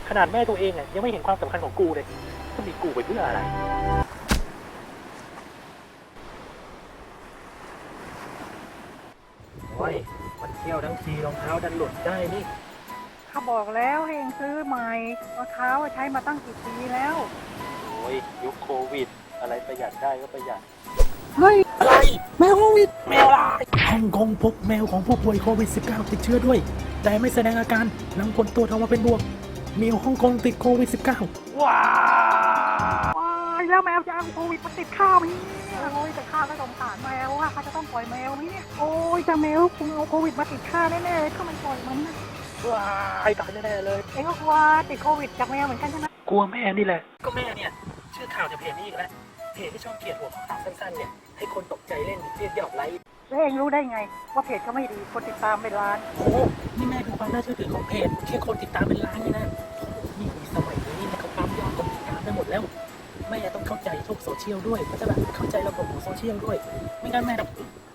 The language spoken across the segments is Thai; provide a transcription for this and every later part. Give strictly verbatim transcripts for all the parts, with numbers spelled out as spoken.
ขนาดแม่ตัวเองอ่ะยังไม่เห็นความสำคัญของกูเลยจะมีกูไปเพื่ออะไรโอ้ยมันเที่ยวทั้งทีรองเท้าดันหลุดได้นี่เขาบอกแล้วให้เองซื้อใหม่รองเท้าใช้มาตั้งกี่ปีแล้วโอ้ยยุคโควิดอะไรประหยัดได้ก็ประหยัดเฮ้ยอะไรแมวโควิดแมวอะไรฮ่องกงพบแมวของผู้ป่วยโควิด สิบเก้า ติดเชื้อด้วยแต่ไม่แสดงอาการหลังผลตรวจออกมาเป็นบวกแมวฮ่องกงติดโควิด สิบเก้า ว้าวว้ายแล้วแมวจะเอาโควิดมาติดข้าวมั้ยโอ้ยแต่ข้าก็สงสารแมวว่าเขาจะต้องปล่อยแมวมั้ยเนี่ยโอ้ยจะแมวคงเอาโควิดมาติดข้าแน่ๆถ้ามันปล่อยมันนะว้ายตายแน่ๆเลยเอ็งก็กลัวติดโควิดจากแมวเหมือนกันใช่ไหมกลัวแม่นี่แหละก็แม่เนี่ยเชื่อข่าวจากเพจนี้อีกแล้วเพจที่ชอบเขียนหัวข้อข่าวสั้นๆเนี่ยให้คนตกใจเล่นเรียกยอดไลค์แล้วเองรู้ได้ไงว่าเพจเขาไม่ดีคนติดตามเป็นล้านโอ้นี่แม่ดูความน่าเชื่อถือของเพจแค่คนติดตามเป็นล้านนี่นะนี่สมัยนี้เนี่ยเขาปั๊มยอดคนติดตามไปหมดแล้วแม่ต้องเข้าใจทุกโซเชียลด้วยก็จะแบบเข้าใจระบบของโซเชียลด้วยไม่งั้นแม่แบบ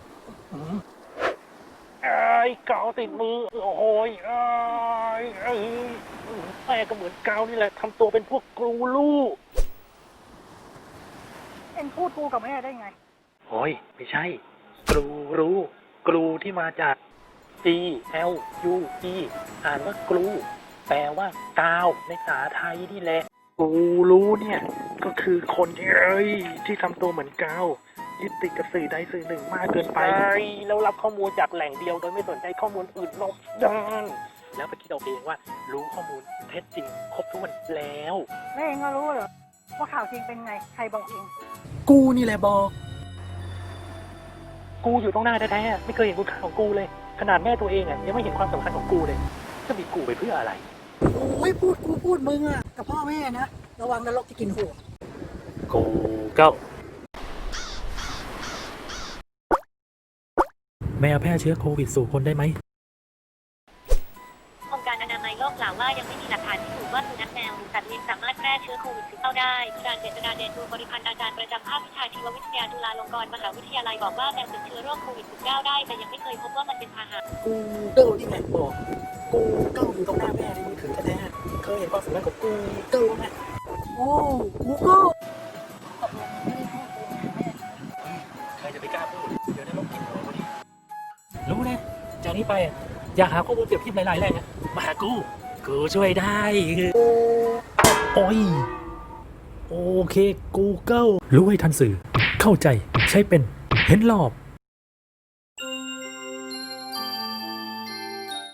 ไอ้เกาติดมือโอ้ยไอ้แม่ก็เหมือนเกานี่แหละทำตัวเป็นพวกกรูลูกเอ็งพูดกูกับแม่ได้ไงโอ้ยไม่ใช่กรูรู้กรูที่มาจาก G L U E อ่านว่ากรูแปลว่ากาวในภาษาไทยนี่แหละกรูรู้เนี่ยก็คือคนที่เอ้ยที่ทำตัวเหมือนกาวยึดติดกับสื่อใดสื่อหนึ่งมากเกินไปแล้วรับข้อมูลจากแหล่งเดียวโดยไม่สนใจข้อมูลอื่นรอบด้านแล้วไปคิดเอาเองว่ารู้ข้อมูลเท็จจริงครบถ้วนแล้วแม่เองก็รู้เหรอว่าข่าวจริงเป็นไงใครบอกเองกูนี่แหละบอกกูอยู่ตรงหน้าแท้ๆไม่เคยเห็นคุณค่าของกูเลยขนาดแม่ตัวเองอ่ะยังไม่เห็นความสำคัญของกูเลยจะมีกูไปเพื่ออะไรโอ้ยพูดกูพูดมึงอ่ะกับพ่อแม่นะระวังนรกจะกินหัวกูเก้าแมวแพร่เชื้อโควิดสู่คนได้ไหมองค์การอนามัยโลกกล่าวว่ายังไม่มีหลักฐานพิสูจน์ว่าสุนัขแมวหรือสัตว์เลี้ยงสามารถแพร่เชื้อโควิด สิบเก้า ได้อาจารย์เจษฎาเดชดวงบริพันธ์อาจารย์ประจำภาควิชาชีววิทยาจุฬาลงกรณ์มหาวิทยาลัยบอกว่าแมวติดเชื้อโรคโควิด สิบเก้า ได้แต่ยังไม่เคยพบว่ามันเป็นพาหะกูเกิลที่แม่บอกกูเกิลอยู่ตรงหน้าแม่ในมือถือแท้ๆเคยเห็นความสำคัญของกูเกิลไหมโอ้กูก็ใครจะไปกล้าพูดเดี๋ยวได้ลบกินหัวพอดีรู้นะจากนี้ไปอยากหาข้อมูลเปรียบเทียบหลายๆแหล่งมาหากูกูช่วยได้โอ้ยโอเค Google รู้ให้ทันสื่อเข้าใจใช้เป็นเห็นรอบ